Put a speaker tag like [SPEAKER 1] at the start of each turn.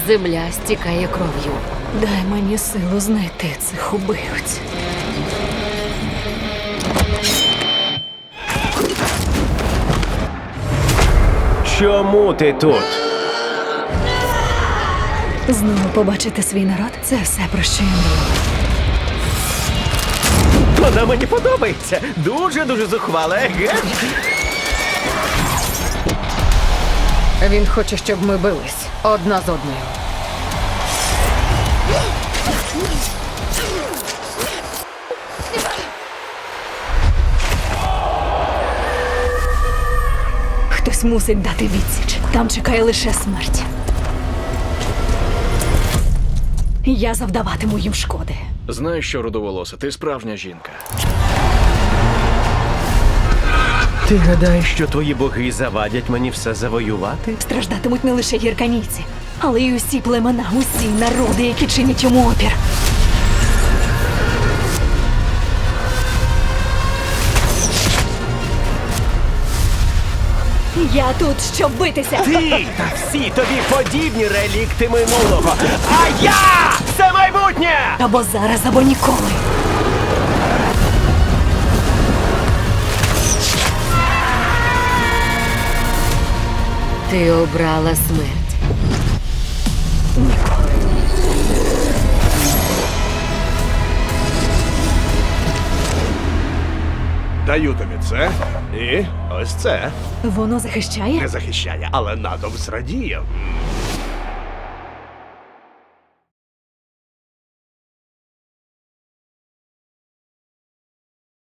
[SPEAKER 1] Земля стікає кров'ю.
[SPEAKER 2] Дай мені силу знайти цих убивць.
[SPEAKER 3] Чому ти тут?
[SPEAKER 2] Знову побачити свій народ – це все, про що я мріяла.
[SPEAKER 3] Вона мені подобається. Дуже-дуже зухвала, еге?
[SPEAKER 1] Він хоче, щоб ми бились одна з одною.
[SPEAKER 2] Хтось мусить дати відсіч. Там чекає лише смерть. Я завдаватиму їм шкоди.
[SPEAKER 4] Знаєш що, рудоволоса, ти справжня жінка.
[SPEAKER 3] Ти гадаєш, що твої боги завадять мені все завоювати?
[SPEAKER 2] Страждатимуть не лише гірканійці, але й усі племена, усі народи, які чинять йому опір. Я тут, щоб битися.
[SPEAKER 3] Ти та всі тобі подібні релікти минулого. А я – це майбутнє!
[SPEAKER 2] Або зараз, або ніколи.
[SPEAKER 1] Ти обрала смерть.
[SPEAKER 2] Ніколи.
[SPEAKER 5] Даю тобі це і ось це.
[SPEAKER 2] Воно захищає?
[SPEAKER 5] Не захищає, але натовп зрадіє.